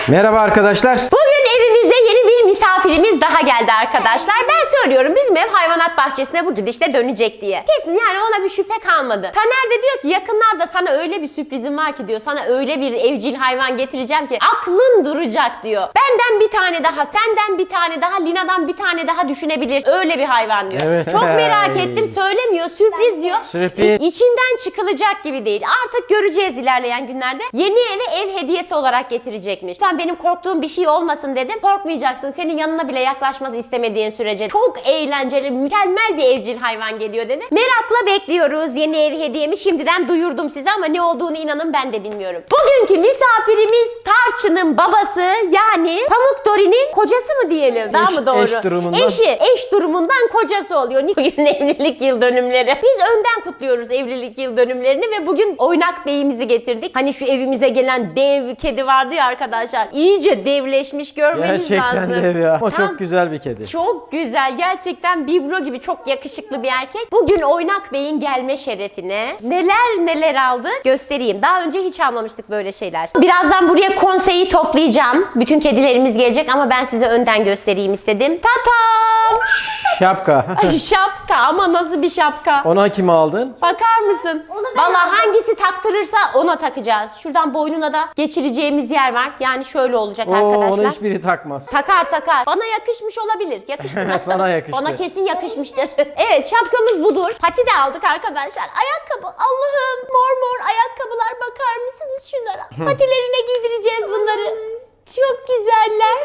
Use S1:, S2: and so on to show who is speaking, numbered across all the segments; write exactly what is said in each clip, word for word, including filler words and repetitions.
S1: Merhaba arkadaşlar.
S2: Bugün evimize yeni bir misafirimiz daha geldi arkadaşlar. Ben söylüyorum bizim ev hayvanat bahçesine bu gidişle dönecek diye. Kesin yani ona bir şüphe kalmadı. Taner de diyor ki yakınlarda sana öyle bir sürprizim var ki diyor. Sana öyle bir evcil hayvan getireceğim ki aklın duracak diyor. Benden bir tane daha, senden bir tane daha, Lina'dan bir tane daha düşünebilirsin. Öyle bir hayvan diyor.
S1: Evet.
S2: Çok merak ettim, söylemiyor, sürpriz diyor.
S1: Sürpriz.
S2: İ- İçinden çıkılacak gibi değil. Artık göreceğiz ilerleyen günlerde. Yeni eve ev hediyesi olarak getirecekmiş. Lütfen benim korktuğum bir şey olmasın dedim. Korkmayacaksın. Senin yanına bile yaklaşmaz istemediğin sürece. Çok eğlenceli, mükemmel bir evcil hayvan geliyor dedi. Merakla bekliyoruz yeni ev hediyemi. Şimdiden duyurdum size ama ne olduğunu inanın ben de bilmiyorum. Bugünkü misafirimiz Tarçın'ın babası yani Pamuk Dori'nin kocası mı diyelim? Daha
S1: Eş-
S2: mı doğru?
S1: eş durumundan.
S2: Eşi, eş durumundan kocası oluyor. Bugün evlilik yıl dönümleri. Biz önden kutluyoruz evlilik yıl dönümlerini ve bugün Oynak Bey'imizi getirdik. Hani şu evimize gelen dev kedi vardı ya arkadaşlar. İyice devleşmiş, görmeniz
S1: Gerçekten
S2: lazım.
S1: dev ya. Ama
S2: Tam-
S1: çok güzel bir kedi.
S2: Çok güzel. Gerçekten biblo gibi çok yakışıklı bir erkek. Bugün Oynak Bey'in gelme şerefine neler neler aldı göstereyim. Daha önce hiç almamıştık böyle şeyler. Birazdan buraya konseyi toplayacağım. Bütün kedilerimiz gelecek ama ben size önden göstereyim istedim. Tatam!
S1: Şapka.
S2: Ay, şapka ama nasıl bir şapka?
S1: Ona kimi aldın?
S2: Bakar mısın?
S3: ben
S2: Vallahi
S3: aldım.
S2: hangisi taktırırsa ona takacağız. Şuradan boynuna da geçireceğimiz yer var. Yani şöyle olacak
S1: Oo,
S2: arkadaşlar.
S1: onu hiçbiri takmaz.
S2: Takar takar. Bana yakışmış olabilir. Yakıştı mı?
S1: Sana yakıştı.
S2: Bana kesin yakışmıştır. Evet, şapkamız budur. Pati de aldık arkadaşlar. Ayakkabı. Allah'ım, mor mor ayakkabılar, bakar mısınız şunlara? Patilerine giydireceğiz bunları. Çok güzeller.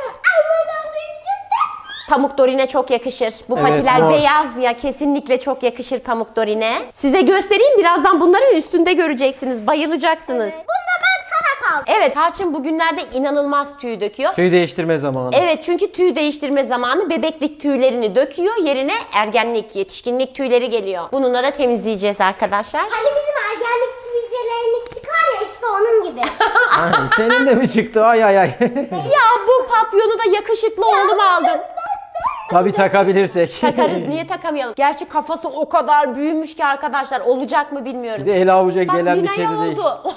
S2: Pamuk Dori'ne çok yakışır. Bu
S1: Evet,
S2: patiler
S1: mor.
S2: beyaz ya, kesinlikle çok yakışır Pamuk Dori'ne. Size göstereyim, birazdan bunları üstünde göreceksiniz. Bayılacaksınız.
S3: Bunda ben sana kaldım.
S2: Evet, Tarçın bugünlerde inanılmaz tüy döküyor.
S1: Tüy değiştirme zamanı.
S2: Evet, çünkü tüy değiştirme zamanı bebeklik tüylerini döküyor. Yerine ergenlik, yetişkinlik tüyleri geliyor. Bununla da temizleyeceğiz arkadaşlar.
S3: Hani bizim ergenlik sivilcelerimiz çıkar ya işte onun gibi.
S1: Ay, senin de mi çıktı? Ay ay ay.
S2: Ya bu papyonu da yakışıklı oğluma aldım.
S1: Tabii takabilirsek.
S2: Takarız, niye takamayalım? Gerçi kafası o kadar büyümüş ki arkadaşlar, olacak mı bilmiyorum.
S1: Bir de el avuca
S2: Bak,
S1: gelen bir
S2: Lina'ya
S1: kedi değil.
S2: oldu.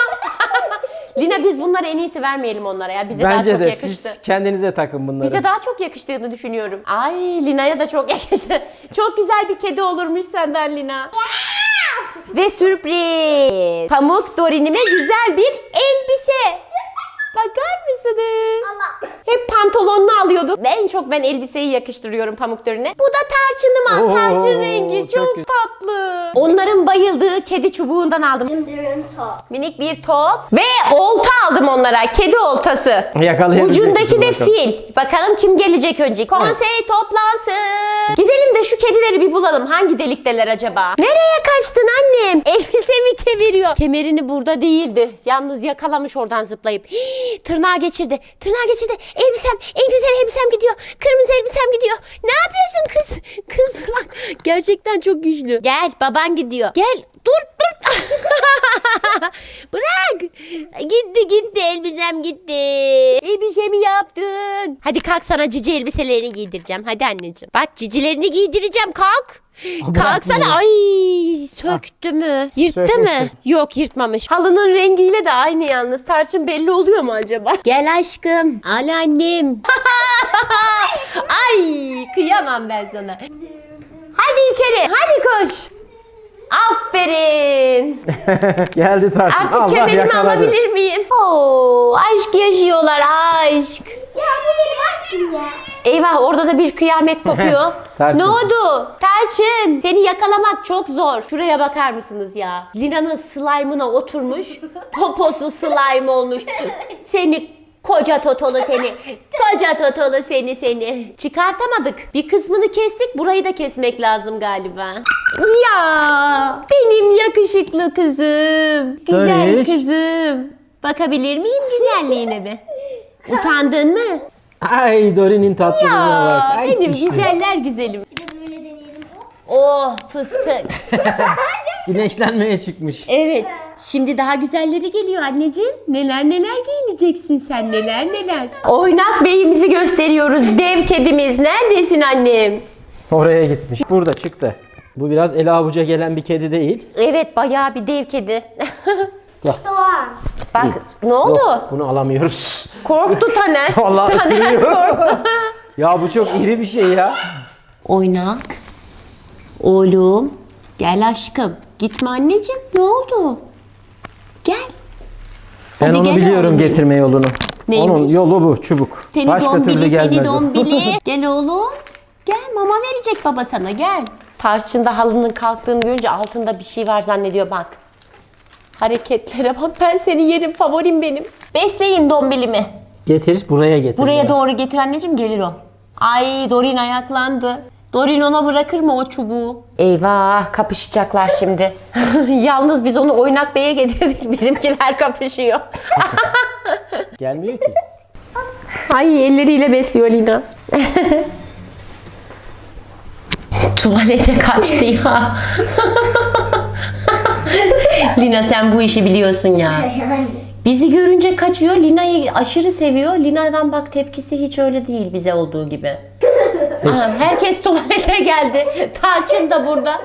S2: Lina, biz bunları en iyisi vermeyelim onlara ya. Bize daha
S1: Bence
S2: çok
S1: de
S2: yakıştı.
S1: siz kendinize takın bunları.
S2: Bize daha çok yakıştığını düşünüyorum. Ay, Lina'ya da çok yakıştı. Çok güzel bir kedi olurmuş senden Lina. Ve sürpriz. Pamuk Dori'nime güzel bir elbise. Bakar mısınız?
S3: Allah.
S2: Hep pantolonunu alıyordu. En çok ben elbiseyi yakıştırıyorum Pamuk Dori'ne. Bu da tarçınıma.
S1: Oo,
S2: Tarçın rengi
S1: çok
S2: çok,
S1: güzel.
S2: tatlı. Onların bayıldığı kedi çubuğundan aldım.
S3: Dürüm top.
S2: Minik bir top ve olta aldım onlara. Kedi oltası.
S1: Yakalayabilecek
S2: Ucundaki de
S1: misin bakalım?
S2: fil. Bakalım kim gelecek önce. Konsey toplansın. Gidelim de şu kedileri bir bulalım. Hangi delikteler acaba? Nereye kaçtın annem? Elbisemi kemiriyor. Kemerini burada değildi. Yalnız yakalamış oradan zıplayıp. Hii, tırnağı geçirdi. Tırnağı geçirdi. Elbisem, en güzel elbisem gidiyor. Kırmızı elbisem gidiyor. Ne yapıyorsun kız? Kız bırak. Gerçekten çok güçlü. Gel, baban gidiyor. Gel. Dur, dur. Bırak. Gitti gitti, elbisem gitti. Elbisemi yaptın. Hadi kalk, sana cici elbiselerini giydireceğim. Hadi anneciğim. Bak, cicilerini giydireceğim, kalk. Kalksana. Ay, söktü mü? Yırttı
S1: Sökmüştür.
S2: mı? Yok, yırtmamış. Halının rengiyle de aynı yalnız. Tarçın belli oluyor mu acaba? Gel aşkım. Al annem. Ay, kıyamam ben sana. Hadi içeri. Hadi koş. Aferin.
S1: Geldi tarçın.
S2: Artık
S1: Allah
S2: kemerimi
S1: yakaladı.
S2: alabilir miyim? Oo, aşk yaşıyorlar, aşk.
S3: Ya bu benim aşkım ya.
S2: Eyvah, orada da bir kıyamet kopuyor.
S1: Tarçın.
S2: Ne oldu? Tarçın, seni yakalamak çok zor. Şuraya bakar mısınız ya? Lina'nın slime'ına oturmuş. Poposu slime olmuş. Seni koca totolu seni. Koca totolu seni seni. Çıkartamadık. Bir kısmını kestik. Burayı da kesmek lazım galiba. Ya benim yakışıklı kızım. Güzel
S1: Dönüş.
S2: kızım. Bakabilir miyim güzelliğine be? Utandın mı?
S1: Ay Dori'nin tatlılığına bak.
S2: Ya
S1: Ay,
S2: benim
S1: işte.
S2: güzeller güzelim.
S3: Bir de böyle deneyelim. Hop.
S2: Oh, fıstık.
S1: Güneşlenmeye çıkmış.
S2: Evet. Şimdi daha güzelleri geliyor anneciğim. Neler neler giyineceksin sen, neler neler. Oynak Bey'imizi gösteriyoruz. Dev kedimiz. Neredesin annem?
S1: Oraya gitmiş. Burada çıktı. Bu biraz ele avuca gelen bir kedi değil.
S2: Evet, bayağı bir dev kedi.
S3: İşte o an.
S2: Bak ne oldu?
S1: Yok, bunu alamıyoruz.
S2: Korktu Taner.
S1: Vallahi
S2: Taner
S1: ısırıyor.
S2: korktu.
S1: Ya bu çok iri bir şey ya.
S2: Oynak. Oğlum. Gel aşkım. Gitme anneciğim. Ne oldu? Gel.
S1: Ben
S2: Hadi
S1: onu
S2: gel
S1: biliyorum
S2: oğlum.
S1: getirme yolunu.
S2: Neymiş?
S1: Onun yolu bu çubuk.
S2: Seni
S1: Başka türlü
S2: dombili, seni
S1: gelmez o.
S2: dombili. Gel oğlum. Gel mama verecek baba sana gel. Tarçında halının kalktığını görünce altında bir şey var zannediyor bak. Hareketlere bak, ben seni yerim, favorim benim. Besleyin dombilimi.
S1: Getir buraya getir.
S2: Buraya
S1: ya.
S2: doğru getir anneciğim, gelir o. Ay Dorin ayaklandı. Dorin ona bırakır mı o çubuğu? Eyvah, kapışacaklar şimdi. Yalnız biz onu Oynak Bey'e getirdik. Bizimkiler kapışıyor.
S1: Gelmiyor ki.
S2: Ay elleriyle besliyor Lina. Tuvalete kaçtı ya. Lina sen bu işi biliyorsun ya.
S3: Yani.
S2: Bizi görünce kaçıyor. Lina'yı aşırı seviyor. Lina'dan bak tepkisi hiç öyle değil bize olduğu gibi. Aha, herkes tuvalete geldi. Tarçın da burada.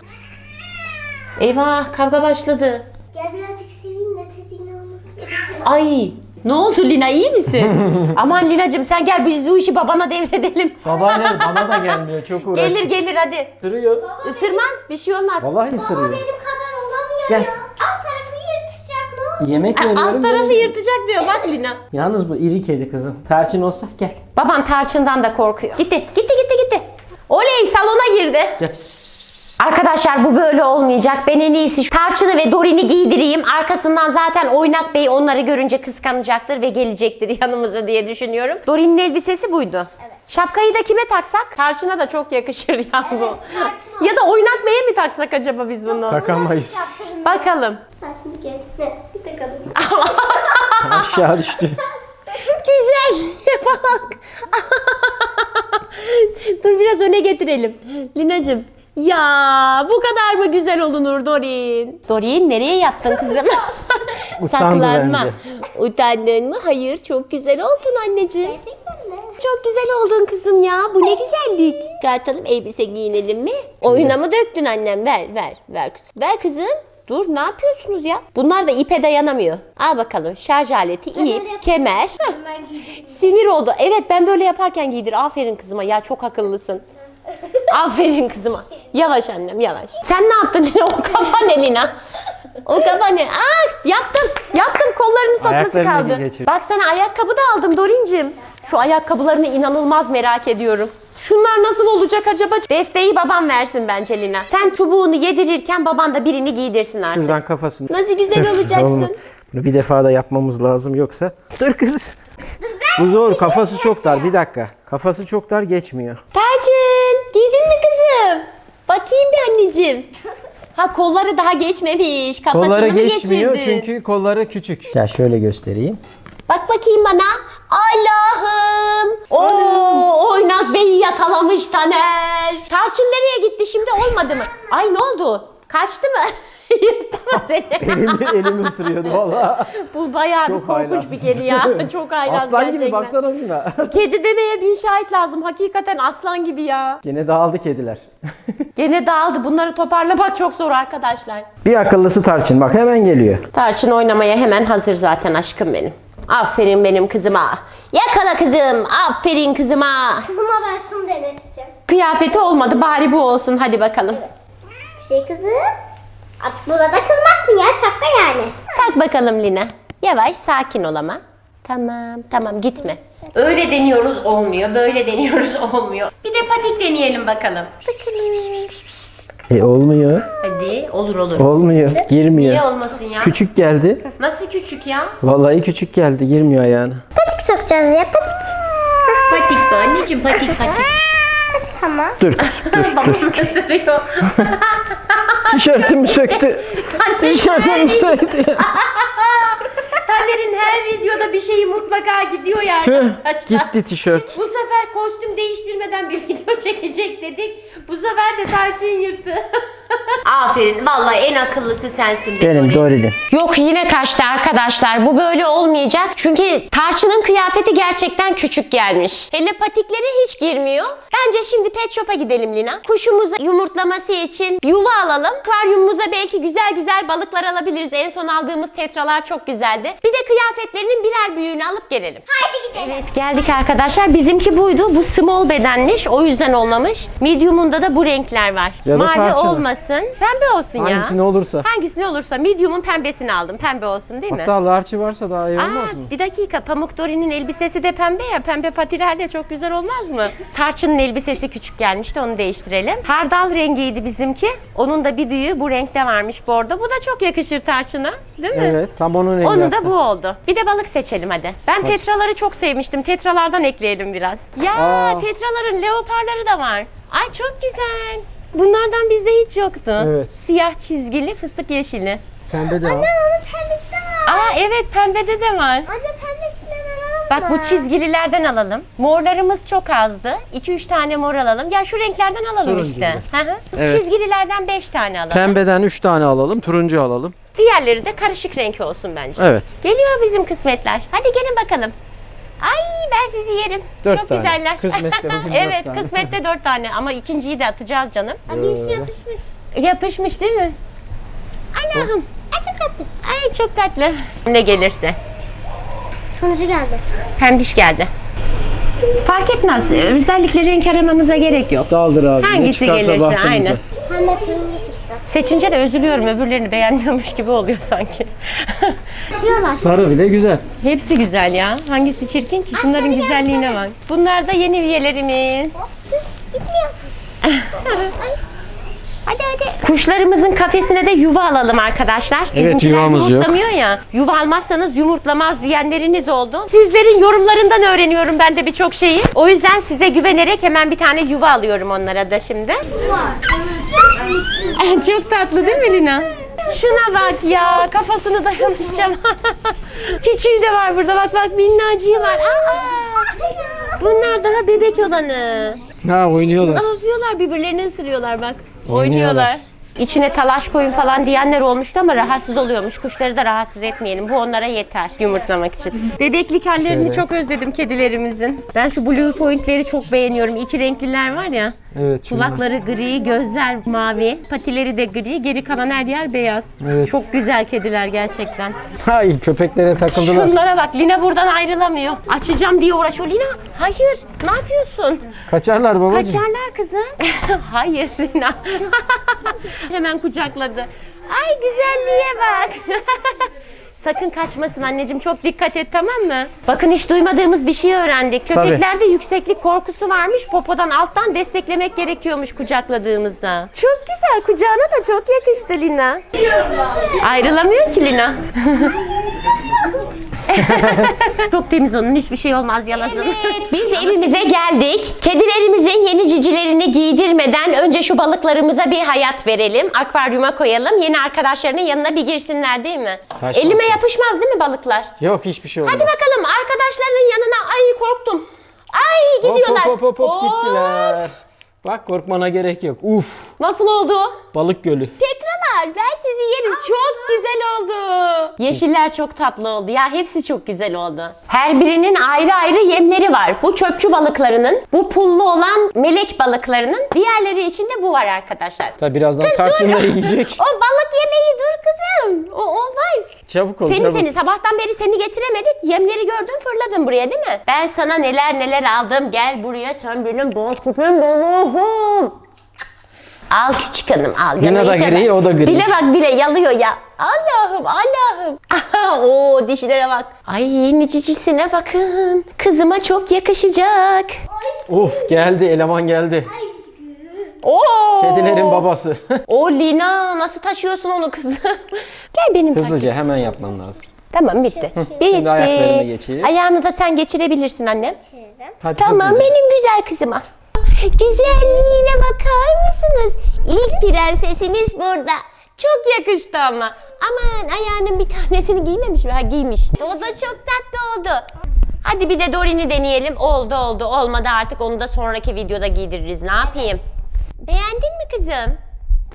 S2: Eyvah, kavga başladı.
S3: Gel birazcık seveyim de tedirgin olmasın.
S2: Ay ne oldu Lina, iyi misin? Aman Lina'cığım sen gel, biz bu işi babana devredelim.
S1: Babaanne bana da gelmiyor çok uğraştı.
S2: Gelir gelir hadi.
S1: Isırıyor.
S2: Isırmaz, bir şey olmaz.
S1: Vallahi
S3: Baba
S1: ısırıyor.
S3: benim kadar olamıyor
S1: Gel.
S3: ya. Alt tarafı yırtacak ne olur.
S1: Yemek veriyorum.
S2: Alt tarafı
S1: böyle.
S2: yırtacak diyor bak Lina.
S1: Yalnız bu iri kedi kızım. Tarçın olsa gel.
S2: Baban tarçından da korkuyor. Gitti, gitti, gitti, gitti. Oley, salona girdi.
S1: Gel pis pis pis.
S2: Arkadaşlar bu böyle olmayacak. Ben en iyisi şu Tarçın'ı ve Dorin'i giydireyim. Arkasından zaten Oynak Bey onları görünce kıskanacaktır ve gelecektir yanımıza diye düşünüyorum. Dorin'in elbisesi buydu. Evet. Şapkayı da kime taksak? Tarçın'a da çok yakışır ya bu.
S3: Tarçın
S2: Ya da Oynak Bey'e mi taksak acaba biz bunu?
S1: Takamayız.
S2: Bakalım.
S3: Tarçın bir gezme. Bir takalım.
S1: Aşağı düştü.
S2: Güzel. Bak. Dur biraz öne getirelim. Lina'cığım. Ya bu kadar mı güzel olunur Dorin? Dorin nereye yattın kızım?
S1: Utandı
S2: Saklanma.
S1: bence.
S2: Utandın mı? Hayır, çok güzel oldun anneciğim.
S3: Gerçekten mi?
S2: Çok güzel oldun kızım ya. Bu ne güzellik. Kartalım, elbise giyinelim mi? Oyuna mı döktün annem? Ver ver ver kızım. Ver kızım. Dur, ne yapıyorsunuz ya? Bunlar da ipe dayanamıyor. Al bakalım, şarj aleti,
S3: öyle
S2: ip,
S3: yap-
S2: kemer.
S3: Hemen giydim.
S2: Sinir oldu. Evet, ben böyle yaparken giydir. Aferin kızıma. Ya çok akıllısın. Aferin kızıma. Yavaş annem, yavaş. Sen ne yaptın Lina? O kafa ne Lina? O kafa ne? Ah, yaptım. Yaptım. Kollarını sokması
S1: Ayaklarını
S2: kaldı.
S1: geçir.
S2: Bak sana ayakkabı da aldım Dorincim. Şu ayakkabılarını inanılmaz merak ediyorum. Şunlar nasıl olacak acaba? Desteği babam versin bence Lina. Sen çubuğunu yedirirken baban da birini giydirsin artık.
S1: Şuradan kafasını.
S2: Nasıl güzel
S1: Dur,
S2: olacaksın.
S1: oğlum, bunu bir defa da yapmamız lazım yoksa. Dur kız. Bu zor. Kafası çok dar. Bir dakika. Kafası çok dar, geçmiyor.
S2: Tercin, giydin mi kızım? Bakayım bir anneciğim. Ha, kolları daha geçmemiş. Kafasını
S1: Kolları
S2: mı
S1: geçmiyor
S2: geçirdin?
S1: çünkü kolları küçük. Gel şöyle göstereyim.
S2: Bak bakayım bana. Allah'ım. Oo, Oynak Bey'i yakalamış Taner. Tarçın nereye gitti şimdi, olmadı mı? Ay ne oldu? Kaçtı mı? Yırttı mı seni?
S1: elimi, elimi ısırıyordu valla.
S2: Bu bayağı bir korkunç bir kedi ya. Çok haylaz
S1: Aslan
S2: gerçekten.
S1: gibi baksana şuna.
S2: Kedi demeye bin şahit lazım. Hakikaten aslan gibi ya.
S1: Gene dağıldı kediler.
S2: Gene dağıldı. Bunları toparlamak çok zor arkadaşlar.
S1: Bir akıllısı Tarçın, bak hemen geliyor.
S2: Tarçın oynamaya hemen hazır zaten aşkım benim. Aferin benim kızıma. Yakala kızım. Aferin kızıma.
S3: Kızıma ben şunu deneteceğim.
S2: Kıyafeti olmadı, bari bu olsun. Hadi bakalım.
S3: Bir şey kızım. Artık burada kızmazsın ya, şaka yani.
S2: Tak bakalım Lina. Yavaş, sakin ol ama. Tamam, tamam, gitme. Öyle deniyoruz olmuyor, böyle deniyoruz olmuyor. Bir de patik deneyelim bakalım.
S1: E olmuyor.
S2: Hadi, olur olur.
S1: Olmuyor. Girmiyor.
S2: Niye olmasın ya?
S1: Küçük geldi.
S2: Nasıl küçük ya?
S1: Vallahi küçük geldi. Girmiyor ayağına.
S3: Patik sokacağız ya, patik.
S2: Patik bu anneciğim, patik patik.
S3: Tamam.
S1: Dur.
S2: Babam ısırıyor.
S1: Tişörtümü söktü. Tişörtümü söktü.
S2: Taner'in her videoda bir şeyi mutlaka gidiyor ya
S1: Tüh,
S2: arkadaşlar.
S1: gitti tişört.
S2: Bu sefer kostüm değiştirmeden bir video çekecek dedik. Bu sefer de Tarçın yırttı. Aferin. Vallahi en akıllısı sensin.
S1: Benim Dori'nin.
S2: Yok yine kaçtı arkadaşlar. Bu böyle olmayacak. Çünkü Tarçın'ın kıyafeti gerçekten küçük gelmiş. Hele patikleri hiç girmiyor. Bence şimdi pet shop'a gidelim Lina. Kuşumuzu yumurtlaması için yuva alalım. Akvaryumumuza belki güzel güzel balıklar alabiliriz. En son aldığımız tetralar çok güzeldi. Bir de kıyafetlerinin birer büyüğünü alıp gelelim.
S3: Haydi gidelim.
S2: Evet geldik arkadaşlar. Bizimki buydu. Bu small bedenmiş. O yüzden olmamış. Medium'unda da bu renkler var.
S1: Ya da
S2: Mavi
S1: tarçın.
S2: olmasın. Pembe olsun ya.
S1: Hangisini olursa.
S2: Hangisini olursa. Medium'un pembesini aldım. Pembe olsun değil mi?
S1: Hatta larçı varsa daha iyi olmaz
S2: Aa,
S1: mı?
S2: bir dakika. Pamuk Dori'nin elbisesi de pembe ya. Pembe patiler de çok güzel olmaz mı? Tarçın'ın elbisesi küçük gelmişti. Onu değiştirelim. Hardal rengiydi bizimki. Onun da bir büyüğü bu renkte varmış bordo. Bu da çok yakışır Tarçın'a. Değil mi?
S1: Evet. Tam onun rengi.
S2: Onun da
S1: hatta.
S2: bu oldu. Bir de balık seçelim hadi. Ben tetraları çok sevmiştim. Tetralardan ekleyelim biraz. Ya
S1: Aa.
S2: tetraların leoparları da var. Ay çok güzel. Bunlardan bizde hiç yoktu.
S1: Evet.
S2: Siyah çizgili, fıstık yeşili.
S1: Pembe de var.
S3: Onun pembesi de var.
S2: Aa evet pembede de var.
S3: Anne pembesinden alalım
S2: Bak
S3: mı?
S2: bu çizgililerden alalım. Morlarımız çok azdı. iki üç tane mor alalım. Ya şu renklerden alalım
S1: Turuncu
S2: işte.
S1: gibi.
S2: Hı hı.
S1: Evet.
S2: Çizgililerden beş tane alalım.
S1: Pembeden üç tane alalım. Turuncu alalım.
S2: Diğerleri de karışık renk olsun bence.
S1: Evet.
S2: Geliyor bizim kısmetler. Hadi gelin bakalım. Ay ben sizi yerim.
S1: Dört
S2: Çok
S1: tane.
S2: güzeller.
S1: Kısmette bugün dört
S2: evet
S1: tane.
S2: kısmette dört tane ama ikinciyi de atacağız canım.
S3: Abisi yapışmış.
S2: Yapışmış değil mi? Allah'ım. Ay çok tatlı. Ay çok tatlı. Ne gelirse.
S3: Sonucu geldi.
S2: Pembiş geldi. Fark etmez. Özellikle renk aramamıza gerek yok.
S1: Daldır abi. Ne
S2: Hangisi
S1: çıkarsa
S2: gelirse
S1: bahtımıza.
S2: aynen.
S3: Pembe kırmızı çıktı.
S2: Seçince de üzülüyorum. Öbürlerini beğenmiyormuş gibi oluyor sanki.
S3: Diyorlar.
S1: Sarı bile güzel.
S2: Hepsi güzel ya. Hangisi çirkin ki? Şunların güzelliğine bak. Bunlar da yeni üyelerimiz.
S3: Gitmiyor.
S2: Hadi hadi. Kuşlarımızın kafesine de yuva alalım arkadaşlar. Bizimkiler
S1: yuvamız yok.
S2: yumurtlamıyor ya. Yuva almazsanız yumurtlamaz diyenleriniz oldu. Sizlerin yorumlarından öğreniyorum ben de birçok şeyi. O yüzden size güvenerek hemen bir tane yuva alıyorum onlara da şimdi. Çok tatlı değil mi Lina? Şuna bak ya, kafasını dayamışacağım. Küçüğü de var burada, bak bak minnacığı var. Aa, bunlar daha bebek olanı.
S1: Ha oynuyorlar.
S2: Ne yapıyorlar? Birbirlerini ısırıyorlar bak.
S1: Oynuyorlar.
S2: Oynuyorlar. İçine talaş koyun falan diyenler olmuştu ama rahatsız oluyormuş. Kuşları da rahatsız etmeyelim. Bu onlara yeter yumurtlamak için. Bebeklik hallerini
S1: Şöyle.
S2: çok özledim kedilerimizin. Ben şu blue pointleri çok beğeniyorum. İki renkliler var ya.
S1: Evet. şunlar.
S2: Kulakları gri, gözler mavi, patileri de gri, geri kalan her yer beyaz.
S1: Evet.
S2: Çok güzel kediler gerçekten.
S1: Hay köpeklere takıldılar.
S2: Şunlara bak, Lina buradan ayrılamıyor. Açacağım diye uğraşıyor. Lina, hayır, ne yapıyorsun?
S1: Kaçarlar babacığım.
S2: Kaçarlar kızım. Hayır Lina. Hemen kucakladı. Ay güzelliğe bak. Sakın kaçmasın anneciğim, çok dikkat et, tamam mı? Bakın hiç duymadığımız bir şey öğrendik.
S1: Tabii.
S2: Köpeklerde yükseklik korkusu varmış. Popodan alttan desteklemek gerekiyormuş kucakladığımızda. Çok güzel, kucağına da çok yakıştı Lina. Ayrılamıyor ki Lina. Çok temiz onun, hiçbir şey olmaz yalasın. Evet, biz evimize geldik. Kedilerimizin yeni cicilerini giydirmeden önce şu balıklarımıza bir hayat verelim. Akvaryuma koyalım. Yeni arkadaşlarının yanına bir girsinler değil mi?
S1: Kaçmasın.
S2: Elime yapışmaz değil mi balıklar?
S1: Yok hiçbir şey olmaz.
S2: Hadi bakalım arkadaşlarının yanına. Ay korktum. Ay
S1: Hop
S2: gidiyorlar.
S1: hop hop hop
S2: Oo,
S1: gittiler. Bak korkmana gerek yok. Uf
S2: Nasıl oldu?
S1: balık gölü.
S2: Tetralar, ben sizi yerim. Çok güzel oldu. Yeşiller çok tatlı oldu. Ya hepsi çok güzel oldu. Her birinin ayrı ayrı yemleri var. Bu çöpçü balıklarının, bu pullu olan melek balıklarının, diğerleri için de bu var arkadaşlar.
S1: Tabi birazdan tarçın da yiyecek.
S2: O balık yemeği dur kızım. O olmaz.
S1: Çabuk ol
S2: Seni
S1: çabuk.
S2: seni sabahtan beri seni getiremedik. Yemleri gördün fırladın buraya değil mi? Ben sana neler neler aldım. Gel buraya, sen benim boş küpüm balığım. Al küçük hanım al.
S1: Lina
S2: Yana
S1: da
S2: işe
S1: gri,
S2: bak.
S1: o da gri.
S2: Dile bak dile yalıyor ya. Allah'ım Allah'ım. Oo dişlere bak. Ay yeni cicisine bakın. Kızıma çok yakışacak.
S1: Of geldi eleman geldi.
S2: Oo.
S1: Kedilerin babası.
S2: O Lina nasıl taşıyorsun onu kızım? Gel benim
S1: Hızlıca
S2: takipçim.
S1: hemen yapman lazım.
S2: Tamam bitti. Bitti.
S1: ayaklarını geçir.
S2: Ayağını da sen geçirebilirsin annem.
S1: Hadi
S2: Tamam
S1: hızlıca.
S2: benim güzel kızıma. Güzelliğine bakar mısınız? İlk prensesimiz burada. Çok yakıştı ama. Aman ayağının bir tanesini giymemiş mi? Ha giymiş. O da çok tatlı oldu. Hadi bir de Dorin'i deneyelim. Oldu oldu. Olmadı artık onu da sonraki videoda giydiririz. Ne yapayım? Beğendin mi kızım?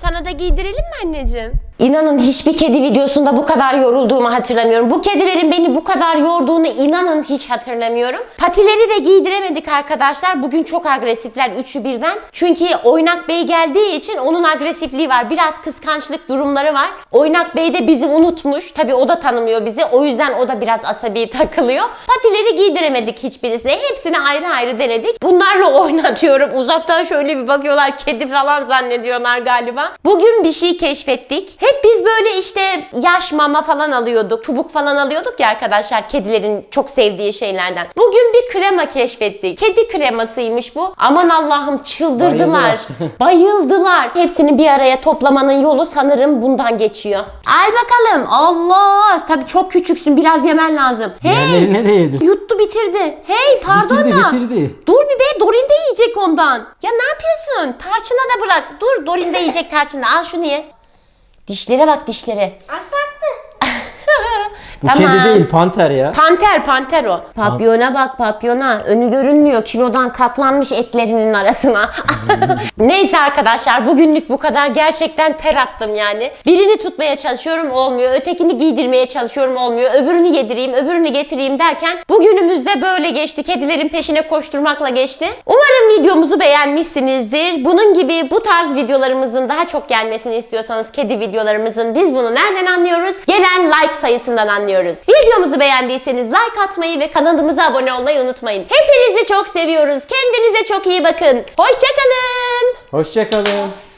S2: Sana da giydirelim mi anneciğim? İnanın hiçbir kedi videosunda bu kadar yorulduğumu hatırlamıyorum. Bu kedilerin beni bu kadar yorduğunu inanın hiç hatırlamıyorum. Patileri de giydiremedik arkadaşlar. Bugün çok agresifler üçü birden. Çünkü Oynak Bey geldiği için onun agresifliği var. Biraz kıskançlık durumları var. Oynak Bey de bizi unutmuş. Tabii o da tanımıyor bizi. O yüzden o da biraz asabi takılıyor. Patileri giydiremedik hiçbirisine. Hepsini ayrı ayrı denedik. Bunlarla oynatıyorum. Uzaktan şöyle bir bakıyorlar. Kedi falan zannediyorlar galiba. Bugün bir şey keşfettik. Hep biz böyle işte yaş mama falan alıyorduk. Çubuk falan alıyorduk ya arkadaşlar. Kedilerin çok sevdiği şeylerden. Bugün bir krema keşfettik. Kedi kremasıymış bu. Aman Allah'ım çıldırdılar. Bayıldılar. Bayıldılar. Hepsini bir araya toplamanın yolu sanırım bundan geçiyor. Al bakalım. Allah. Tabii çok küçüksün. Biraz yemen lazım. Hey.
S1: Diğerlerine de yedir.
S2: Yuttu bitirdi. Hey pardon
S1: Bitirdi,
S2: da.
S1: bitirdi.
S2: Dur bir be, Dorin de yiyecek ondan. Ya ne yapıyorsun? Tarçına da bırak. Dur, Dorin de yiyecek tarçını. Al şunu ye. Dişlere bak dişlere.
S3: Arttı arttı.
S1: Bu kedi değil, panter ya.
S2: Panter, panter o. Papyona bak, papyona. Önü görünmüyor. Kilodan katlanmış etlerinin arasına. Neyse arkadaşlar, bugünlük bu kadar. Gerçekten ter attım yani. Birini tutmaya çalışıyorum, olmuyor. Ötekini giydirmeye çalışıyorum, olmuyor. Öbürünü yedireyim, öbürünü getireyim derken bugünümüz de böyle geçti. Kedilerin peşine koşturmakla geçti. Umarım videomuzu beğenmişsinizdir. Bunun gibi bu tarz videolarımızın daha çok gelmesini istiyorsanız, kedi videolarımızın, biz bunu nereden anlıyoruz? Gelen like sayısından anlıyoruz. Videomuzu beğendiyseniz like atmayı ve kanalımıza abone olmayı unutmayın. Hepinizi çok seviyoruz. Kendinize çok iyi bakın. Hoşça kalın.
S1: Hoşça kalın.